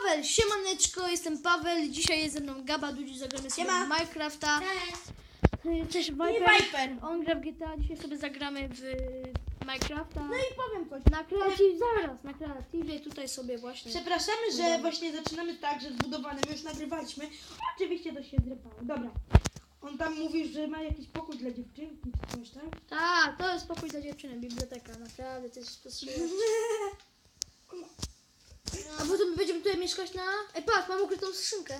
Paweł, siemaneczko, jestem Paweł, dzisiaj jest ze mną Gaba, Dudzi, zagramy sobie w Minecrafta. Cześć Viper. On gra w GTA, dzisiaj sobie zagramy w Minecrafta. No i powiem coś. Na kreatywie, zaraz, na kreatywie tutaj sobie właśnie. Przepraszamy, że właśnie zaczynamy tak, że zbudowanym już nagrywaliśmy. Oczywiście to się zrypało. Dobra. On tam mówi, że ma jakiś pokój dla dziewczynki czy coś, tak? Tak, to jest pokój dla dziewczyny, biblioteka, naprawdę, to jest spostrzegawcze. A potem będziemy tutaj mieszkać na... Ej, patrz, mam ukrytą skrzynkę.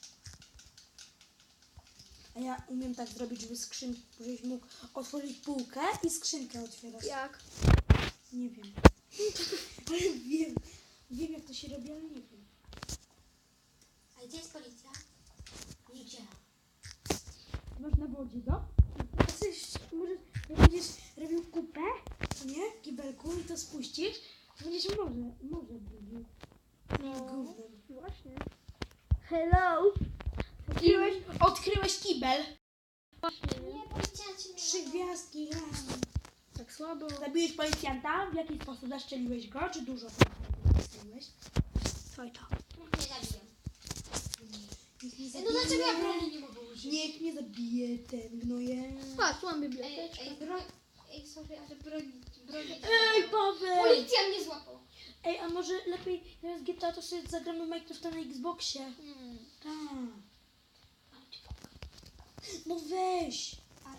A ja umiem tak zrobić, żebyś mógł otworzyć półkę i skrzynkę otwierać. Jak? Nie wiem. Ale wiem. Wiem jak to się robi, ale nie wiem. A gdzie jest policja? Nigdzie. Masz na wodzie, do? Może jak będziesz robił kupę, nie? W kibelku i to spuścisz, to będziesz może brudził. Gównem. Właśnie. Hello. Odkryłeś kibel. Nie, policjanci mnie 3 gwiazdki. Tak słabo. Zabiłeś policjanta? W jaki sposób zaszczeliłeś go? Czy dużo zastrzeliłeś? Oj to. nie zabiją. Nikt nie No zabije. dlaczego ja broni nie mogę użyć? Niech nie zabije ten gnoje. Patrz, tu mam Ej, biblioteczkę. broń... Ej, sorry, ale broń... Ej, Paweł! Policja mnie złapał. Ej, a może lepiej zamiast GTA to sobie zagramy Minecrafta na Xboxie? Tak. No weź.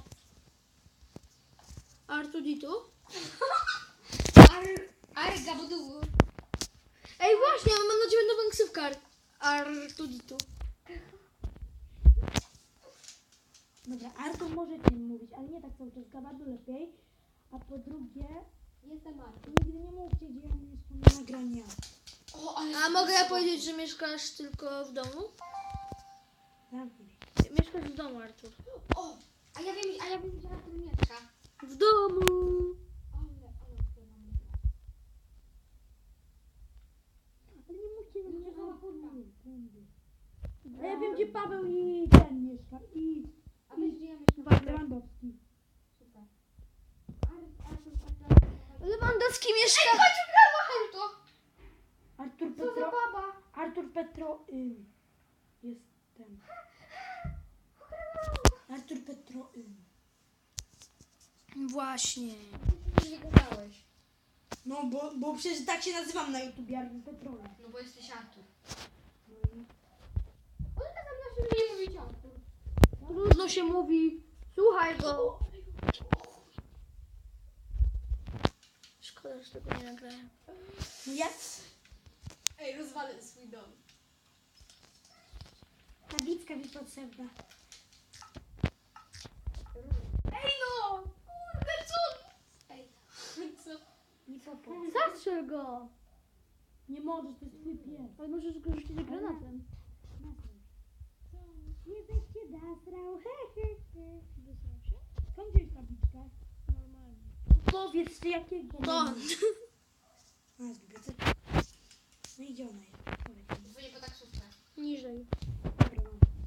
Artuditu? Arga budu. Ej, właśnie, mam na ciebie nową ksywkę. Artuditu. Dobra, Artur może ci mówić, ale nie tak cały czas, Gabadu lepiej. A po drugie, Jestem Arga. nigdy nie mówcie, gdzie ja mieszkam na nagrania. O, ale... A mogę ja powiedzieć, że mieszkasz tylko w domu? Zamknij. Mieszkasz w domu, Artur. O, a ja wiem, gdzie Artur mieszka. W domu. Ale nie mówcie, Nie że ma kurwa. A ja wiem, gdzie Paweł i ten mieszka. I A wiesz, gdzie ja mieszkam? Lewandowski. Super. Lewandowski mieszka... Chodź, ugrała auto. Artur Co za Petro. baba? Artur Petro. Jest ten. Artur Petro. Właśnie. Nie gadałeś. No, bo przecież tak się nazywam na YouTubie, Artur Petro. No bo jesteś Artur. No i... On tak na siebie nie mówić Artur. Trudno się mówi. Słuchaj go. Szkoda, że tego nie nagrałem. No ja... Ej, rozwalę swój dom. Tabliczka mi potrzebna. Ej no! Kurde, co? Ej, co? Nie popo. Zastrzel go. Nie możesz, to jest twój pies. Ale możesz go rzucić granatem. Nie weź się nasrał. Wysłał się? Skąd wziąłeś tabliczkę? Normalnie. Powiedz ty jakiego. To. A, z biblioteki. No i gdzie ona jest? Powiedz mi. Dzwonię po taksówkę. Niżej. Dobra, no.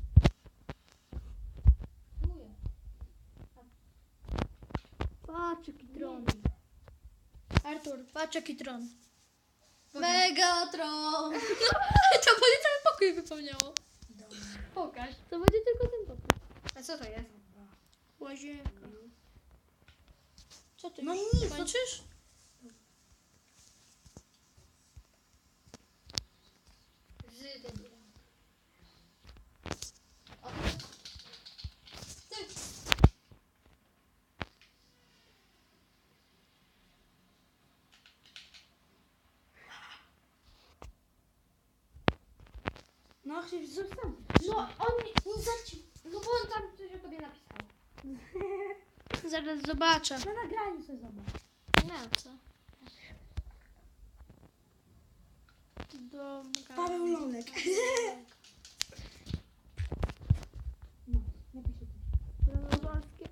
Mówię. Patrz jaki tron. Artur, patrz jaki tron. Megatron. To będzie cały pokój wypełniało. Dobra. Pokaż. To będzie tylko ten pokój. A co to jest? Łazienka. Co ty? No nic, Kończysz? Z debilem. O, ty. No, chcesz zostać. No on nie zacił. No bo on tam coś o tobie napisał. Zaraz zobaczę. Na nagraniu sobie zobacz. Nie, co? Dobra. Paweł Lolek. No, napiszę to. Lewandowskie.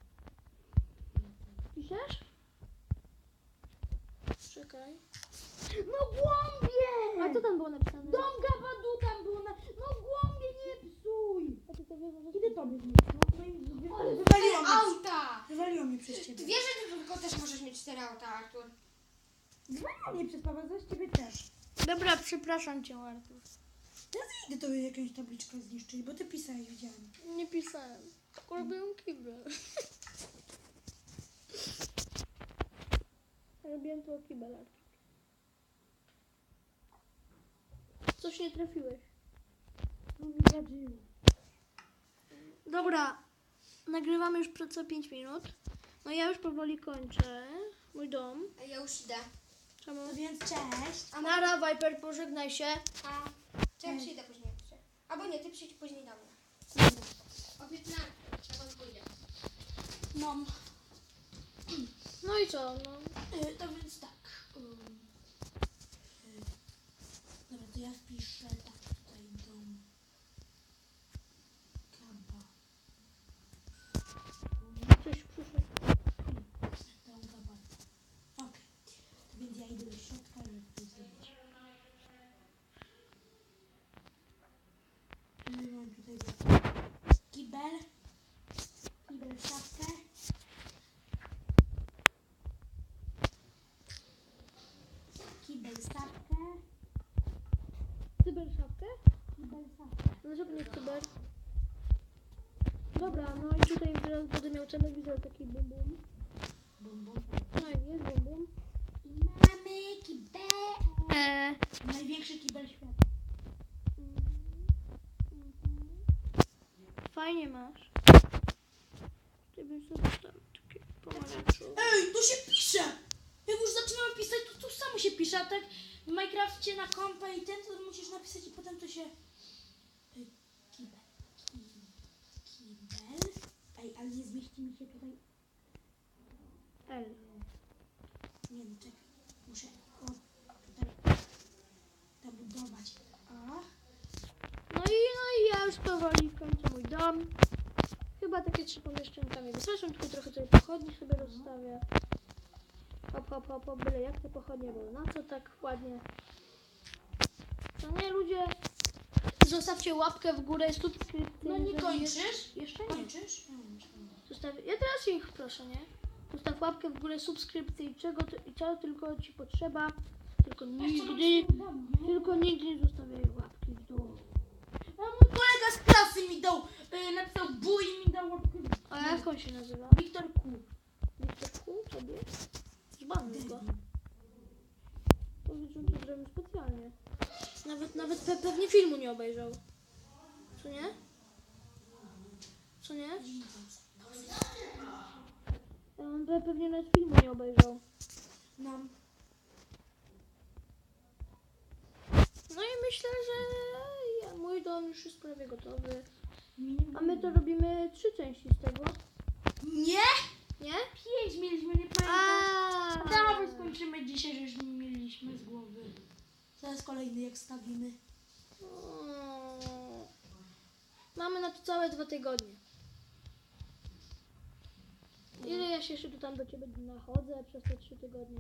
Piszesz? Czekaj. No głąbie! A co tam było napisane? Dom Gabadu tam było na... No głąbie, nie psuj! A ty to wiesz, że... Kiedy tobie zniszczyło? No i wywaliło mnie. Auta! Wywaliło mnie przez Ty ciebie. wiesz, że ty tylko też możesz mieć 4 auta, Artur? Wywaliło mnie przez Paweł, zaś ciebie też. Dobra, przepraszam cię, Artur. Teraz idę to jakąś tabliczkę zniszczyć, bo ty pisałeś, widziałem. Nie pisałem. Tylko robiłem kibel. Robiłem to kibel, Artur. Coś nie trafiłeś. No mi zadziło. Dobra, nagrywamy już co 5 minut. No ja już powoli kończę. Mój dom. A ja już idę. Czemu? No więc cześć. Nara, Viper, pożegnaj się. A czy ja przyjdę później jeszcze? Albo nie, ty przyjdź później do mnie. O 15, trzeba pójdzie. No, No i co? No. to więc tak. Dobra, to ja wpiszę tak tutaj dom. Gaba. Coś przyszło. Dom Gaba. Okej. To więc ja idę do środka, żeby to zrobić. Mam tutaj kibel. Kibel, szafkę. Kibel, szafkę. Cyber szafkę? Kibel, szafkę. Dlaczego nie cyber? Dobra, no i tutaj teraz będę miał telewizor taki bum bum. Bum, bum. No i jest bum bum. I mamy kibel. Największy kibel świata. Fajnie masz. Ty byś sobie tam takie pomarańczowe. Ej, tu się pisze! Jak już zaczynamy pisać, to tu samo się pisze, a tak w Minecrafcie na kompa i ten, to musisz napisać i potem to się... Kibel. Kibel. Ej, ale nie zmieści mi się tutaj... L. Nie no, czekaj. Muszę tutaj zabudować. No i ja już powoli kończę mój dom. Chyba takie 3 pomieszczonka mi wystarczą, tylko trochę tutaj pochodni sobie rozstawię. Hop, hop, hop, hop, byle jak te pochodnie były. Na co tak ładnie? To nie, ludzie, zostawcie łapkę w górę, subskrypcję. No nie jeżeli kończysz? Jeszcze nie. Kończysz? Ja teraz ich proszę, nie? Zostaw łapkę w górę, subskrypcję i czego tylko ci potrzeba. Tylko nigdy nie zostawiaj łapki w dół. A mój kolega z klasy mi dał, napisał buj i mi dał łapkę w dół. A jak on się nazywa? Wiktor Ku. Wiktor Ku? Tobie? Zbanuj go. Powiedz, że on to zrobił specjalnie. Nawet pewnie filmu nie obejrzał. Co nie? Co nie? On pewnie nawet filmu nie obejrzał. No. No i myślę, że mój dom już jest prawie gotowy. Nie. A my to robimy 3 części z tego. Nie? Nie? 5 mieliśmy, nie pamiętam. Dawaj skończymy dzisiaj, że już nie mieliśmy z głowy. Zaraz kolejny jak stawimy. Mamy na to całe 2 tygodnie. Ile ja się jeszcze tu tam do ciebie nachodzę przez te 3 tygodnie?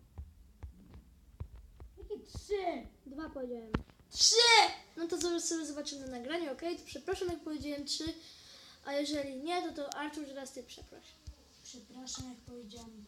Jakie 3? 2 powiedziałem. 3! No to zaraz sobie zobaczymy nagranie, okej? To przepraszam, jak powiedziałem 3. A jeżeli nie, to Artur, teraz ty przeproś. Przepraszam, jak powiedziałam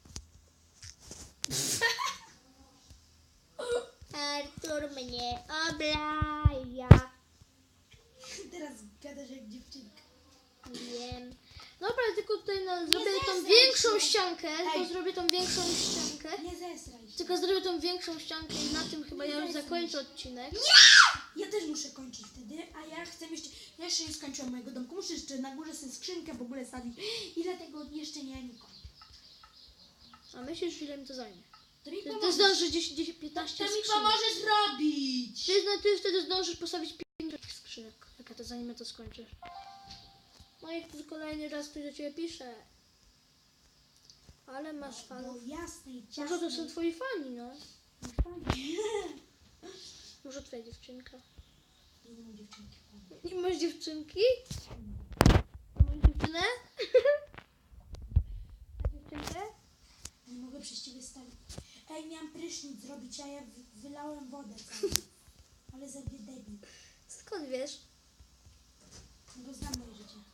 2. Artur mnie oblaja. Teraz gadasz jak dziewczynka. Wiem. Dobra, tylko tutaj zrobię tą zesraj większą się. ściankę. Ej. Tylko zrobię tą większą ściankę. Nie zesraj się. Tylko zrobię tą większą ściankę i na tym chyba ja już zesraj zakończę odcinek. Ja też muszę kończyć wtedy, a ja chcę jeszcze... Ja jeszcze nie skończyłam mojego domku. Muszę jeszcze na górze sobie skrzynkę w ogóle stawić. I dlatego jeszcze nie kończę. A myślisz, ile mi to zajmie? To mi Ty pomożesz. zdążysz 10, 15 To mi skrzynek. pomoże zrobić. Ty wtedy zdążysz postawić 5 takich skrzynek. Jak to zanim to skończysz. No i tu kolejny raz ktoś do ciebie pisze. Ale masz No fanów. jasne i Może to są ciasne. twoi fani, no. Fajnie. Może twoja dziewczynka. Nie mam dziewczynki. Nie masz dziewczynki? A masz dziewczynę? A dziewczynkę? Nie mogę przez ciebie stawić. Ej, miałam prysznic zrobić, a ja wylałem wodę całą. Ale za debil. Skąd wiesz? No bo znam moje życie.